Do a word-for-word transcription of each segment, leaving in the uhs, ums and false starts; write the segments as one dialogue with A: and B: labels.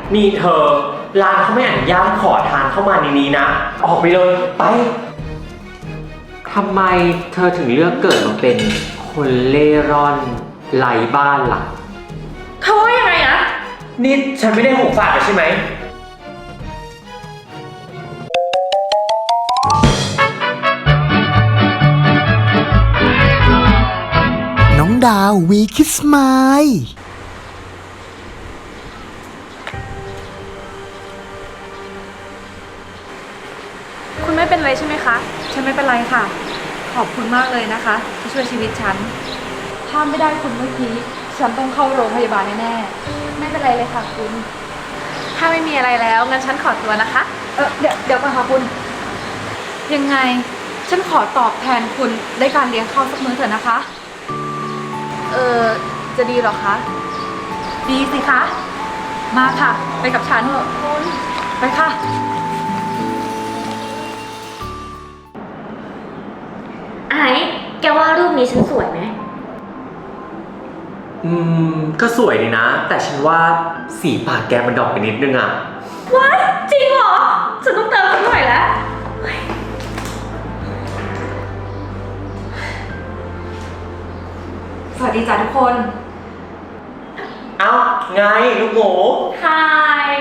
A: นี่เธอร้านเขาไม่อนุญาตขอทานเข้ามาในนี้นะออกไปเลยไปทำไมเธอถึงเลือกเกิดมาเป็นคนเล่ร่อนไร้บ้านล่ะ
B: เธอว่ายังไงนะ
A: นี่ฉันไม่ได้หูฝาดไปใช่ไหม
C: น้องดาววีคิสไมล์
B: คุณไม่เป็นไรใช่ไหมคะฉันไม่เป็นไรค่ะขอบคุณมากเลยนะคะที่ช่วยชีวิตฉันถ้าไม่ได้คุณเมื่อกี้ฉันต้องเข้าโรงพยาบาลแน่ๆไม่เป็นไรเลยค่ะคุณถ้าไม่มีอะไรแล้วงั้นฉันขอตัวนะคะเออเดี๋ยวเดี๋ยวก่อนค่ะคุณยังไงฉันขอตอบแทนคุณได้การเลี้ยงข้าวสักมื้อเถอะนะคะเออจะดีหรอคะดีสิคะมาค่ะไปกับฉันเถอะคุณไปค่ะ
D: ไอ้แกว่ารูปนี้ฉันสวยไหม
A: อืมก็สวยดีนะแต่ฉันว่าสีปากแกมันดอกไปนิดนึงอ่ะ
D: ว้ายจริงเหรอฉันต้องเติมสักหน่อยแล้ว
B: สวัสดีจ้าทุกคน
A: เอ้าไงลูกหมู
D: ฮาย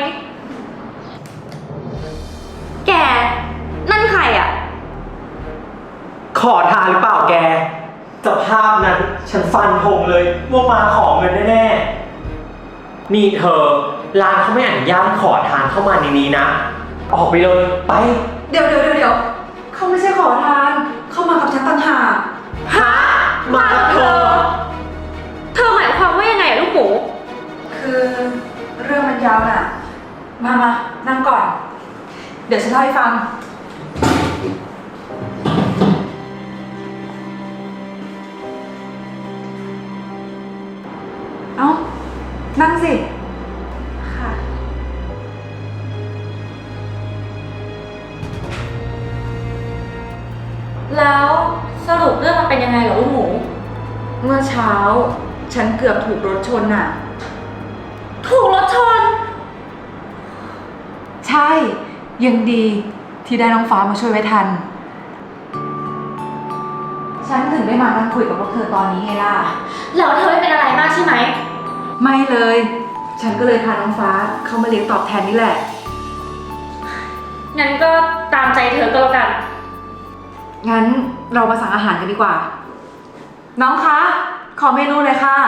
D: แกนั่นใครอ่ะ
A: ขอทานหรือเปล่าแกสภาพนั้นฉันฟันธงเลยว่ามาขอเงินแน่ๆนี่เธอร้านเขาไม่อนุญาตขอทานเข้ามาในนี้นะออกไปเลยไป
B: เดี๋ยวเดี๋ยวเดี๋ยวเขาไม่ใช่ขอทานเขามากับฉันต่างหาก
A: ฮะมากับเธอ
D: เธอหมายความว่ายังไงลูกหมู
B: คือเรื่องมันยาวน่ะมามานั่งก่อนเดี๋ยวฉันเล่าให้ฟังเอ้านั่งสิค่ะ
D: แล้วสรุปเรื่องมันเป็นยังไงเหรอลูกหมู
B: เมื่อเช้าฉันเกือบถูกรถชนน่ะ
D: ถูกรถชน
B: ใช่ยังดีที่ได้น้องฟ้ามาช่วยไว้ทันฉันถึงได้มานั่งคุยกับพวกเธอตอนนี้ไงล่ะ
D: แล้วเธอไม่เป็นอะไรมากใช่ไหม
B: ไม่เลยฉันก็เลยพาน้องฟ้าเข้ามาเลี้ยงตอบแทนนี่แหละ
D: งั้นก็ตามใจเธอก็แล้วกัน
B: งั้นเรามาสั่งอาหารกันดีกว่าน้องคะขอเมนูเลยค่ะ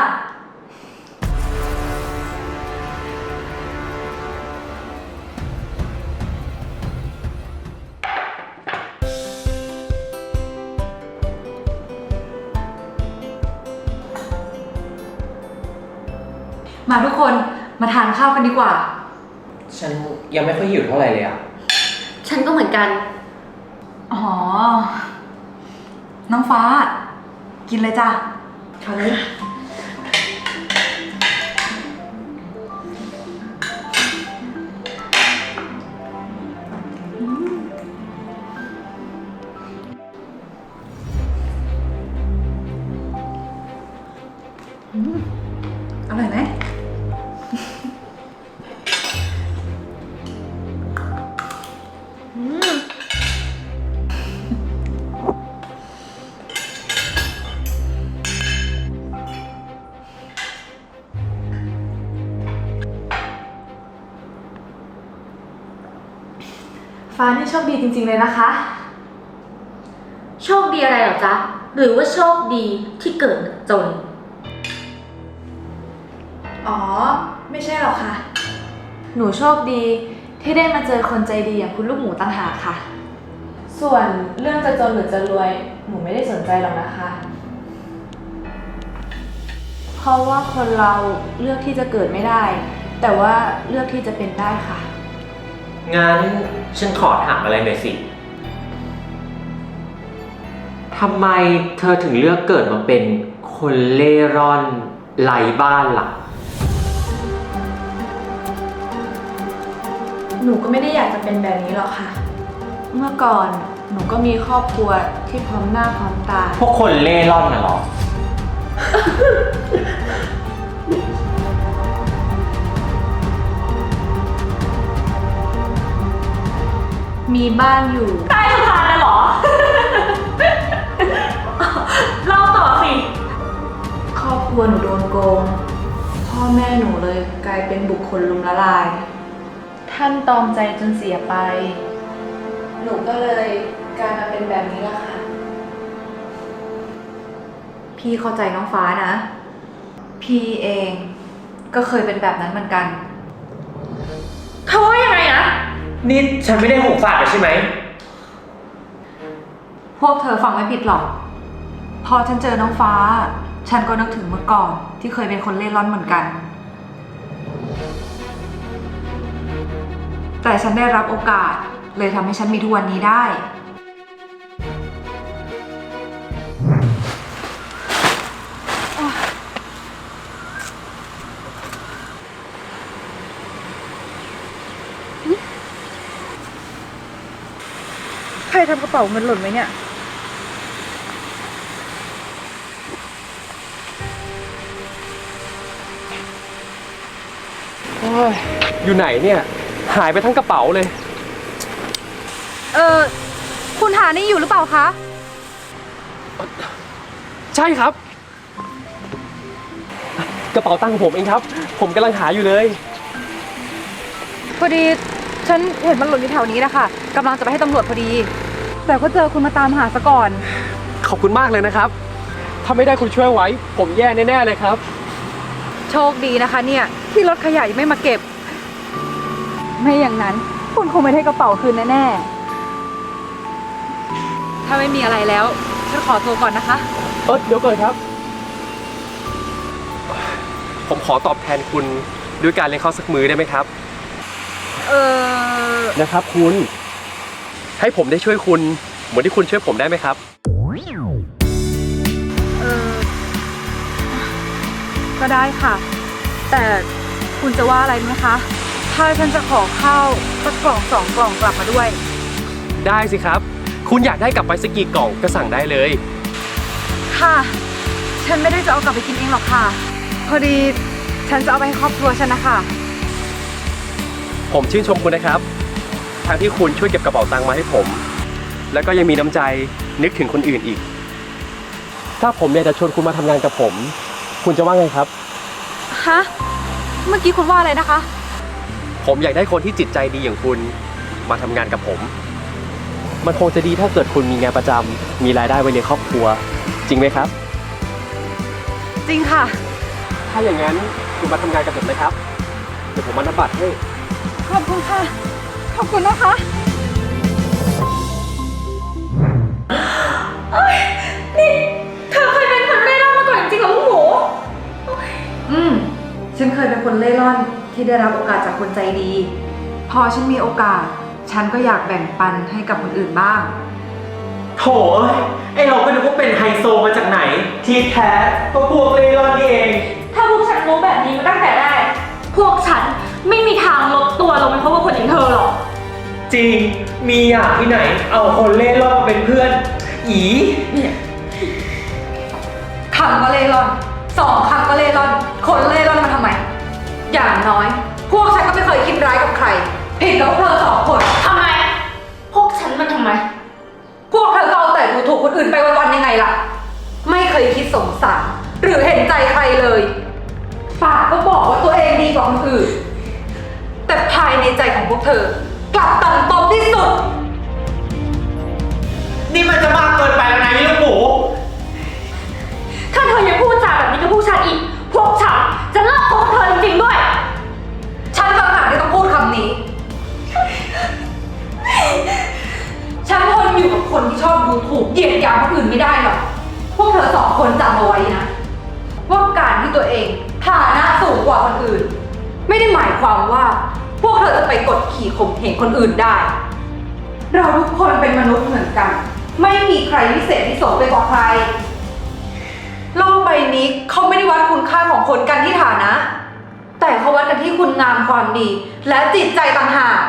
B: มาทุกคนมาทานข้าวกันดีกว่า
A: ฉันยังไม่ค่อยหิวเท่าไหร่เลยอ่ะ
D: ฉันก็เหมือนกัน
B: อ๋อน้องฟ้ากินเลยจ้ะเอาเลยอร่อยไหมฟ้านี่โชคดีจริงๆเลยนะคะ
D: โชคดีอะไรหรอจ๊ะหรือว่าโชคดีที่เกิดจน
B: อ๋อไม่ใช่หรอกค่ะหนูโชคดีที่ได้มาเจอคนใจดีอย่างคุณลูกหมูต่างหากค่ะส่วนเรื่องจะจนหรือจะรวยหนูไม่ได้สนใจหรอกนะคะเพราะว่าคนเราเลือกที่จะเกิดไม่ได้แต่ว่าเลือกที่จะเป็นได้ค่ะ
A: งั้นฉันขอถามอะไรหน่อยสิทำไมเธอถึงเลือกเกิดมาเป็นคนเล่ร่อนไร้บ้านล่ะ
B: หนูก็ไม่ได้อยากจะเป็นแบบนี้หรอกค่ะเมื่อก่อนหนูก็มีครอบครัวที่พร้อมหน้าพร้อมตา
A: พวกคนเล่ร่อนน่ะหรอ
B: มีบ้านอยู่
D: ใต้สะพานน่ะเหรอ เล่าต่อสิ
B: ครอบครัวหนูโดนโกง พ่อแม่หนูเลยกลายเป็นบุคคลลุมละลาย ท่านตอมใจจนเสียไป หนูก็เลยกลายมาเป็นแบบนี้ละค่ะ พี่เข้าใจน้องฟ้านะ พี่เองก็เคยเป็นแบบนั้นเหมือนกัน
D: เขาว่ายังไงนะ
A: นี่ฉันไม่ได้หูฝาดไปใช่ไหม
B: พวกเธอฟังไม่ผิดหรอก พอฉันเจอน้องฟ้า ฉันก็นึกถึงเมื่อก่อนที่เคยเป็นคนเล่ร่อนเหมือนกัน แต่ฉันได้รับโอกาสเลยทำให้ฉันมีทุกวันนี้ได้ ใครทำกระเป๋าเงินหล่นไหมเนี่ย
E: โอ้ยอยู่ไหนเนี่ย หายไปทั้งกระเป๋าเลย
B: เออคุณหานี่อยู่หรือเปล่าคะ
E: ใช่ครับ กระเป๋าตังค์ของผมเองครับ ผมกำลังหาอยู่เลย
B: พอดีฉันเห็นมันหล่นอยู่แถวนี้นะคะกำลังจะไปให้ตำรวจพอดี แต่ก็เจอคุณมาตามหาซะก่อน
E: ขอบคุณมากเลยนะครับ ถ้าไม่ได้คุณช่วยไว้ ผมแย่แน่ๆเลยครับ
B: โชคดีนะคะเนี่ยที่รถขยะยังไม่มาเก็บ ไม่อย่างนั้นคุณคงไม่ได้กระเป๋าคืนแน่ๆ ถ้าไม่มีอะไรแล้วฉันขอตัวก่อนนะคะ
E: เออเดี๋ยวก่อนครับ ผมขอตอบแทนคุณด้วยการเลี้ยงข้าวสักมื้อได้ไหมครับ
B: เออ
E: นะครับคุณ ให้ผมได้ช่วยคุณเหมือนที่คุณช่วยผมได้ไหมครับ
B: เออก็ได้ค่ะ แต่คุณจะว่าอะไรไหมคะ ถ้าฉันจะขอข้าวสักกล่องสองกล่องกลับมาด้วย
E: ได้สิครับ คุณอยากได้กลับไปสักกี่กล่องก็สั่งได้เลย
B: ค่ะ ฉันไม่ได้จะเอากลับไปกินเองหรอกค่ะ พอดีฉันจะเอาไปให้ครอบครัวฉันนะคะ
E: ผมชื่นชมคุณนะครับทั้งที่คุณช่วยเก็บกระเป๋าตังค์มาให้ผม แล้วก็ยังมีน้ำใจนึกถึงคนอื่นอีก ถ้าผมอยากจะชวนคุณมาทำงานกับผม คุณจะว่าไงครับ
B: ฮะ เมื่อกี้คุณว่าอะไรนะคะ
E: ผมอยากได้คนที่จิตใจดีอย่างคุณมาทำงานกับผม มันคงจะดีถ้าเกิดคุณมีงานประจำมีรายได้ไว้เลี้ยงครอบครัว จริงไหมครับ
B: จริงค่ะ
E: ถ้าอย่างนั้นคุณมาทำงานกับผมเลยครับ เดี๋ยวผมมานับบัตรให้
B: ขอบคุณค่ะ ขอบคุณนะคะ
D: นี่เธอเคยเป็นคนเร่ร่อนมาก่อนจริงๆเหรอลูกหมู
B: อืม ฉันเคยเป็นคนเล่ร่อนที่ได้รับโอกาสจากคนใจดี พอฉันมีโอกาส ฉันก็อยากแบ่งปันให้กับคนอื่นบ้าง
A: โถเอ้ย ไอเราก็นึกว่าเป็นไฮโซมาจากไหน ที่แท้ก็พวกเล่ร่อนนี่เอง
D: ถ้าพวกฉันรู้แบบนี้มาตั้งแต่แรก พวกฉันไม่มีทางลดตัวลงไปเพราะว่าคนอย่างเธอหรอก
A: จริง มีอย่างที่ไหน เอาคนเล่ร่อนมาเป็นเพื่อน อี
B: คำก็เล่ร่อน สองคำก็เล่ร่อน คนเล่ร่อนมาทำไม อย่างน้อย พวกฉันก็ไม่เคยคิดร้ายกับใคร ผิดกับพวกเธอสองคน
D: ทำไม พวกฉันมันทำไม
B: พวกเธอก็เอาแต่ดูถูกคนอื่นไปวันๆยังไงล่ะ ไม่เคยคิดสงสารหรือเห็นใจใครเลย ปากก็บอกว่าตัวเองดีกว่าคนอื่น แต่ภายในใจของพวกเธอกลับต่ำตมที่สุด
A: นี่มันจะมากเกินไปแล้วนะนี่ลูกหมู
D: ถ้าเธอยังพูดจาแบบนี้กับพวกฉันอีก พวกฉันจะเลิกคบกับเธอจริงๆด้วย
B: ฉันต่างหากที่ต้องพูดคำนี้ ฉันทนอยู่กับคนที่ชอบดูถูกเหยียดหยามคนอื่นไม่ได้หรอก พวกเธอสองคนจำเอาไว้นะ ว่าการที่ตัวเองฐานะสูงกว่าคนอื่น ไม่ได้หมายความว่า พวกเธอจะไปกดขี่ข่มเหงคนอื่นได้ เราทุกคนเป็นมนุษย์เหมือนกัน ไม่มีใครพิเศษพิโสไปกว่าใคร โลกใบนี้เขาไม่ได้วัดคุณค่าของคนกันที่ฐานะ แต่เขาวัดกันที่คุณงามความดี และจิตใจต่างหาก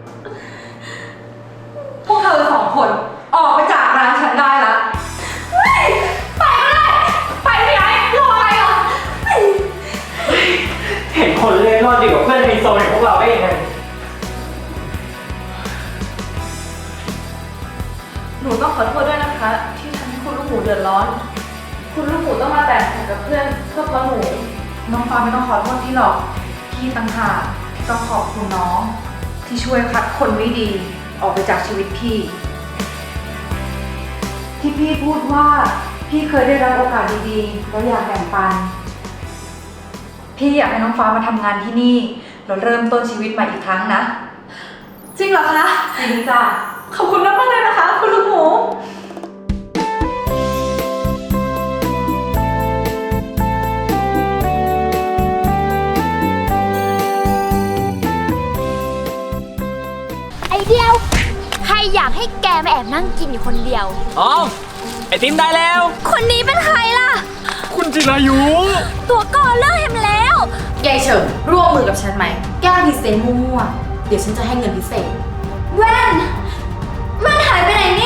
B: พวกเธอสองคนออกไปจากร้านฉันได้แล้ว
D: ไปก็ได้ ไปไม่ได้รออะไรอ่ะ
A: เห็นคนเล่ร่อนดีกว่าเพื่อนไฮโซอย่างพวกเราได้ยังไง
B: หนูต้องขอโทษด้วยนะคะ ที่ทำให้คุณลูกหมูเดือดร้อน คุณลูกหมูต้องมาแต่งงานกับเพื่อนเพื่อเพราะหนูน้องฟ้าไม่ต้องขอโทษพี่หรอกพี่ต่างหากที่ต้องขอบคุณน้อง ที่ช่วยคัดคนไม่ดีออกไปจากชีวิตพี่ ที่พี่พูดว่าพี่เคยได้รับโอกาสดีๆแล้วอยากแบ่งปัน พี่อยากให้น้องฟ้ามาทำงานที่นี่แล้วเริ่มต้นชีวิตใหม่อีกครั้งนะ จริงเหรอคะจริงจ้ะขอบคุณมากๆเลยนะคะ คุณลูกหมู
D: ไอเดียว ใครอยากให้แกมาแอบนั่งกินอยู่คนเดียว
E: อ๋อไอติมได้แล้ว
D: คนนี้เป็นใครล่ะ
E: คุณจิรายุ
D: ตัวก่อเลิกเห็นแล้ว
B: ยายเฉิมร่วมมือกับฉันไหมแกล้งพรีเซนต์มั่วๆเดี๋ยวฉันจะให้เงินพิเศษ
D: แว่น แว่นหายไปไหนเนี่ย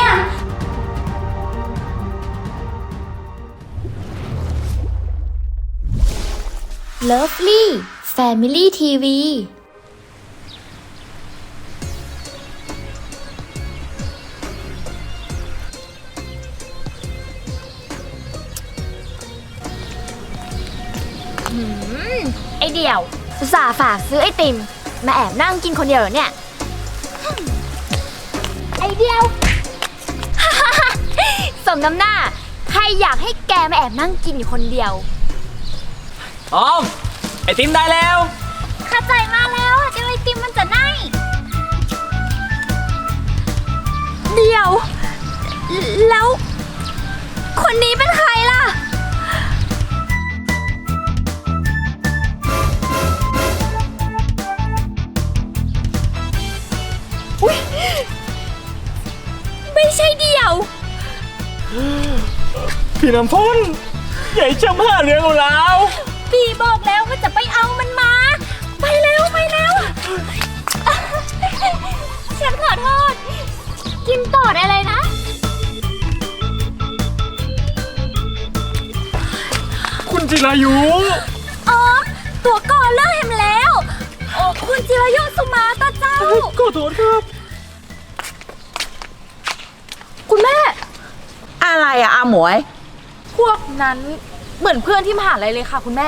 D: Lovely Family ที วี หืม ไอเดี่ยวอุตส่าห์ฝากซื้อไอติม มาแอบนั่งกินคนเดียวเหรอเนี่ย ไอเดียว สมน้ำหน้า ใครอยากให้แกมาแอบนั่งกินอยู่คนเดียว
E: อ๋อไอติมได้แล้ว
D: เข้าใจมาแล้วเดี๋ยวไอติมมันจะไหนเดี๋ยว แล้ว คนนี้เป็นใครล่ะ อุ๊ย ไม่ใช่เดี่ยว
E: พี่น้ำพ่นใหญ่จำห้าเรื่องแล้ว
D: ปีบอกแล้วว่าจะไปเอามันมา ไปเร็วไปเร็ว ฉันขอโทษ กินต่อได้เลยนะ
E: คุณจิรายุ
D: อ๋อ ตัวก่อนเลิกเห็นแล้วโอ้คุณจิรายุสุมาตาเจ้า
E: ขอโทษครับ
D: คุณแม่
F: อะไรอะอาหมวย
B: พวกนั้นเหมือนเพื่อนที่มหาลัยเลยค่ะคุณแม่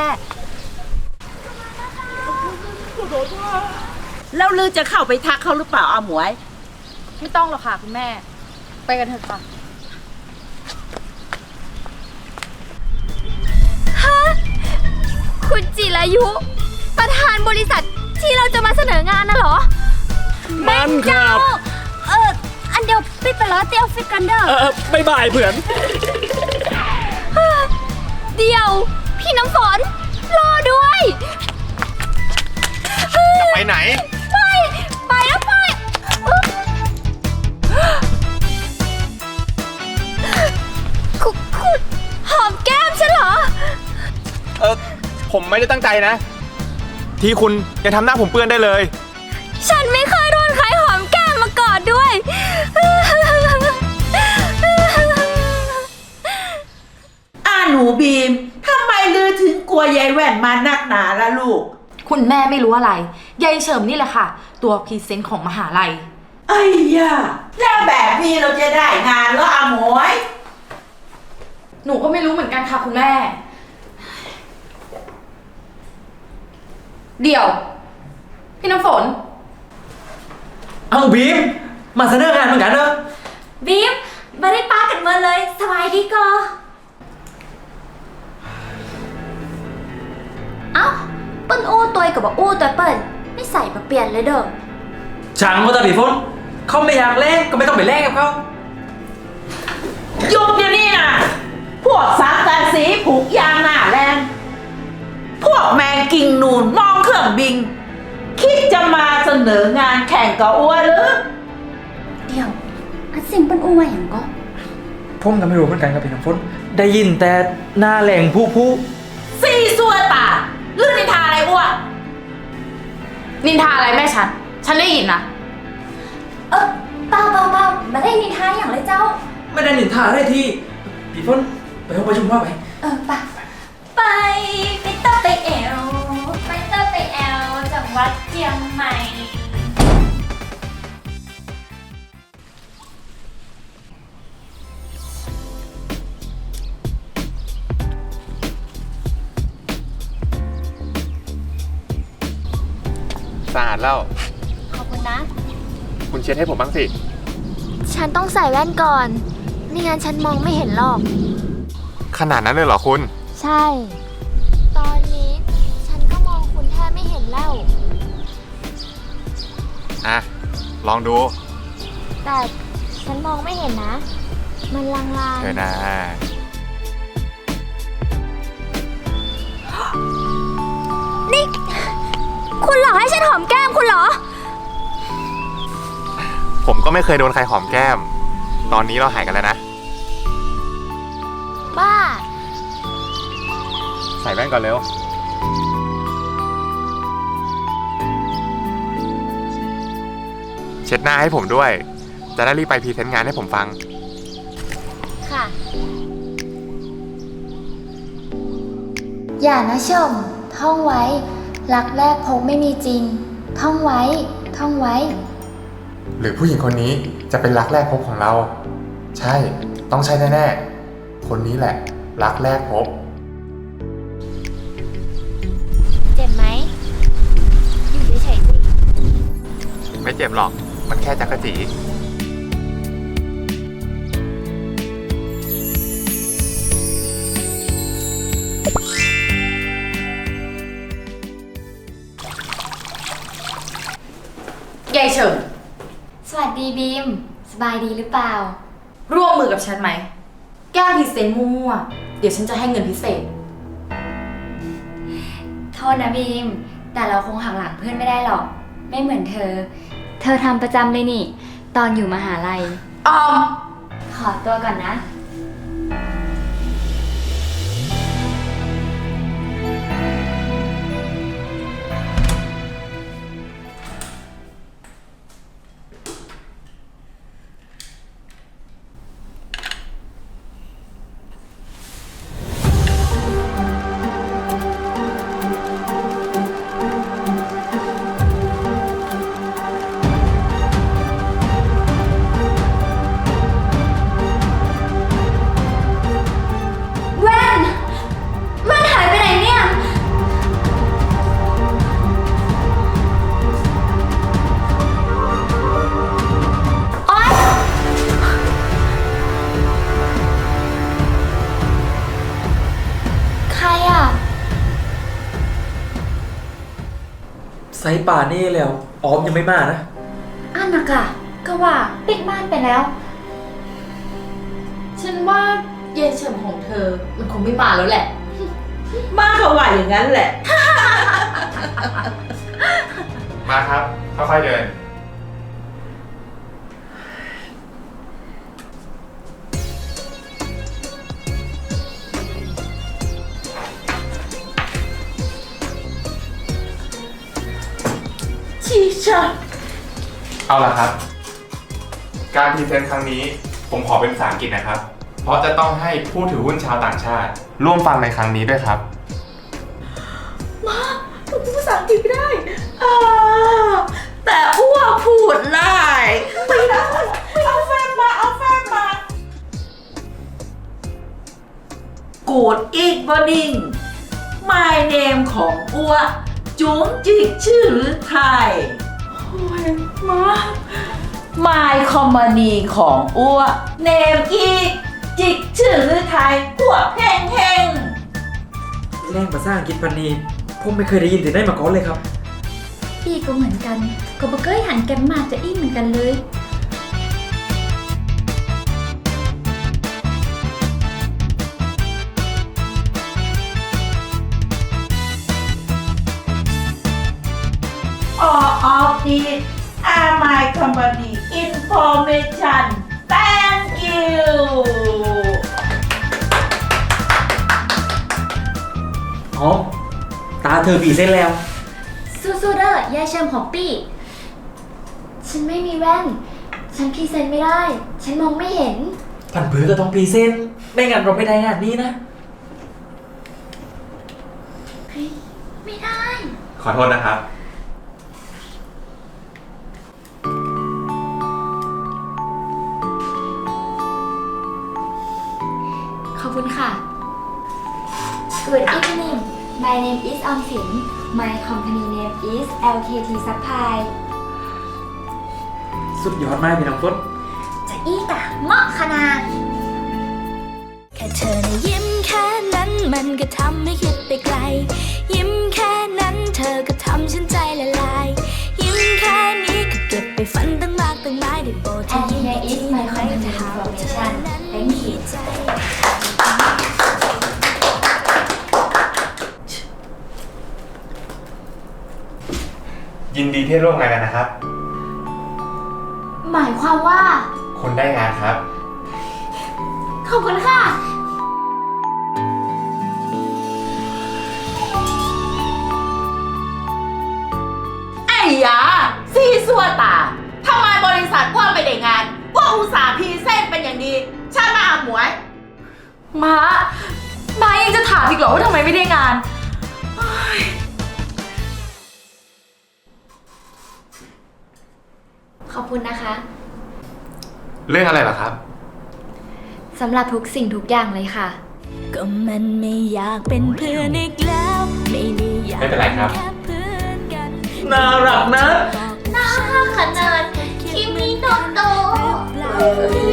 F: แล้วลือจะเข้าไปทักเขาหรือเปล่าอาหมวย
B: ไม่ต้องหรอกค่ะคุณแม่ ไปกันเถอะค่ะ
D: ฮะ คุณจิรายุ ประธานบริษัทที่เราจะมาเสนองานน่ะเหรอ
E: มันครับ
D: เอออันเดียวไปไปล้อเตียวฟิกันเด้อ
E: เออบ๊ายบายเพื่อน
D: เดี๋ยว พี่น้ำฝน รอด้วย
G: ไปไหน
D: ไป ไปแล้วไปคุณคุณหอมแก้มฉันเหรอ
G: เออผมไม่ได้ตั้งใจนะ ที่คุณยังทำหน้าผมเปื้อนได้เลย
D: ฉันไม่เคยโดนใครหอมแก้มมาก่อนด้วย
F: อ้าหนูบีมทำไมลือถึงกลัวยายแว่นมานักหนาละลูก
B: คุณแม่ไม่รู้อะไร ยายเฉิมนี่แหละค่ะ ตัวพรีเซนต์ของมหาลัย
F: ไอ้ย่าแล้วแบบนี้เราจะได้งานเหรออาหมวย
B: หนูก็ไม่รู้เหมือนกันค่ะคุณแม่ เดี๋ยว พี่น้ำฝน
A: เอาบีม มาเสนองานเหมือนกันเนอะ
D: บีมไม่ได้ป้ากันเมื่อเลย สบายดีก็เอ้าเปิ้นอู้ตัวกับว่าอู้ตัวเปิ้นไม่ใส่มาเปลี่ยนเลยเด้อ
A: ช่างว่าแต่พี่ฝนเขาไม่อยากแลกก็ไม่ต้องไปแลกกับเขา
F: หยุดเดี๋ยวนี้นะพวกสามการสีผูกยางหน้าแรงพวกแมงกิ่งนูนมองเครื่องบิน คิดจะมาเสนองานแข่งกับอ้วนหรือ
D: เดี๋ยวอันสิ่งเปิ้นอู้ว่าอย่างก็
A: ผมก็ไม่รู้เหมือนกันครับพี่น้ำฝนได้ยินแต่หน้าแหล่งผู้ผู้
F: ซีซัวตาเรื่องนิทาอะไรอ้วน
B: นินทาอะไรแม่ฉัน ฉันได้ยินนะ
D: เออเปล่าเปล่าเปล่ามาได้นินทาอย่างไรเจ้า
A: ไม่ได้นินทาได้ที่พี่ฝนไปห้องประชุมว่าไป
D: เออไปไปไปเต้าไปแอวไปเต้าไปแอวจังหวัดเชียงใหม่
A: อ
G: สะอาดแล้ว
H: ขอบคุณนะ
G: คุณเช็ดให้ผมบ้างสิ
H: ฉันต้องใส่แว่นก่อน ไม่งั้นฉันมองไม่เห็นหรอก
G: ขนาดนั้นเลยเหรอคุณ
H: ใช่ ตอนนี้ฉันก็มองคุณแทบไม่เห็นแล้ว
G: อ่ะ ลองดู
H: แต่ฉันมองไม่เห็นนะ มันลาง
G: เธอนะ
H: ๆ นี่ คุณหลอกให้ฉันหอมแก้มคุณเหรอ
G: ผมก็ไม่เคยโดนใครหอมแก้ม ตอนนี้เราหายกันแล้วนะ
H: บ้า
G: ใส่แว่นก่อนเร็ว เช็ดหน้าให้ผมด้วย จะได้รีบไปพรีเซนต์งานให้ผมฟัง
H: ค่ะ อย่านะชม ท่องไว้ รักแรกพบไม่มีจริง ท่องไว้ ท่องไว้
G: หรือผู้หญิงคนนี้จะเป็นรักแรกพบของเรา ใช่ ต้องใช่แน่ๆ คนนี้แหละ รักแรกพบ
H: เจ็บไหม อยู่เฉยๆสิ
G: ไม่เจ็บหรอก มันแค่จักรจี
B: ยายเฉิง
H: สวัสดีบีม สบายดีหรือเปล่า
B: ร่วมมือกับฉันไหม แก้พรีเซนต์มั่วๆเดี๋ยวฉันจะให้เงินพิเศษ
H: โทษนะบีม แต่เราคงหักหลังเพื่อนไม่ได้หรอก ไม่เหมือนเธอ เธอทำประจำเลยนี่ ตอนอยู่มหาลัย
B: ออม
H: ขอตัวก่อนนะ แว่น แว่นหายไปไหนเนี่ย โอ๊ย ใครอ่ะ
A: ไซป่านี่แล้ว ออมยังไม่มานะ
H: อันนะกะก็ว่าปิดบ้านไปแล้ว
B: ฉันว่ายายเฉิงของเธอ มันคงไม่มาแล้วแหละ
F: มาเขาว่าอย่างนั้นแหละ
G: มาครับ ค่อยๆเดิน
F: ชีชะ
G: เอาละครับ การพรีเซนต์ครั้งนี้ ผมขอเป็นภาษาอังกฤษนะครับ เพราะจะต้องให้ผู้ถือหุ้นชาวต่างชาติ ร่วมฟังในครั้งนี้ด้วยครับ
F: มาผมพูดภาษาอังกฤษไม่ได้อ่าแต่อ้วพูดได้ไม่ได้ เอาแฟนมา เอาแฟนมา Good evening My name ของอ้วจุ๋งจิกชื่อหรือไทยโอ้ยมา My company ของอ้วเนมอีกจิกชื่อหรือไทยพวกแห้งแห้ง
A: แรงภาษาอังกฤษพันนี้ผมไม่เคยได้ยินถึงได้มาก่อนเลยครับ
H: พี่ก็เหมือนกัน ก็บ่เคยหันแกมมาจะอี้เหมือนกันเลย
F: All of these are my company information. Thank you.
A: ออม ตาเธอผีเส้นแล้ว
H: สู้ๆเด้อยายเชิมของปี้ ฉันไม่มีแว่น ฉันพรีเซนต์ไม่ได้ ฉันมองไม่เห็น
A: ผันผือก็ต้องพรีเซนต์ไม่งั้นเราไม่ได้งานนี้นะ
H: ไม่ได้
G: ขอโทษนะครับ
H: ขอบคุณค่ะ Good evening My name is ออมสิน My company name is แอล เค ที Supply
A: สุดยอดมากพี่น้ำฝน
H: จะอีกะเหมาะขนาด
I: แค่เธอนะยิ้มแค่นั้นมันก็ทำให้คิดไปไกล ยิ้มแค่นั้นเธอก็ทำฉันใจละลาย ยิ้มแค่นี้ก็เก็บไปฝันตั้งมากตั้งหลายได้โปรดเธอ
H: And
I: ยิ้ม
H: here
I: อีก
H: is
I: ที
H: my
I: ได้ไหม
H: company
I: ถ้าหากว่าเธอ
H: information
I: นั้น
H: Thank you
I: ใจ
G: ยินดีที่ร่วมงานกันนะครับ
H: หมายความว่า
G: คุณได้งานครับ
H: ขอบคุณค่ะ
F: ไอ้ยาซีซัวตาทำไมบริษัทว่าไม่ได้งานว่าอุตสาห์พรีเส้นต์เป็นอย่างดีใช่ไหมอาหมวย
B: ม้าม้ายังจะถามอีกเหรอว่าทำไมไม่ได้งาน
H: ขอบคุณนะคะ
G: เรื่องอะไรเหรอครับ
H: สำหรับทุกสิ่งทุกอย่างเลยค่ะ
I: ก็มันไม่อยากเป็นเพื่อนอีกแล้วไม่ได้อยาก
G: ไม่เป็นไรครับ
I: แค่เพื่อนกัน
F: น่ารักนะ
I: น่ารักขนาดคิมิโนโตะ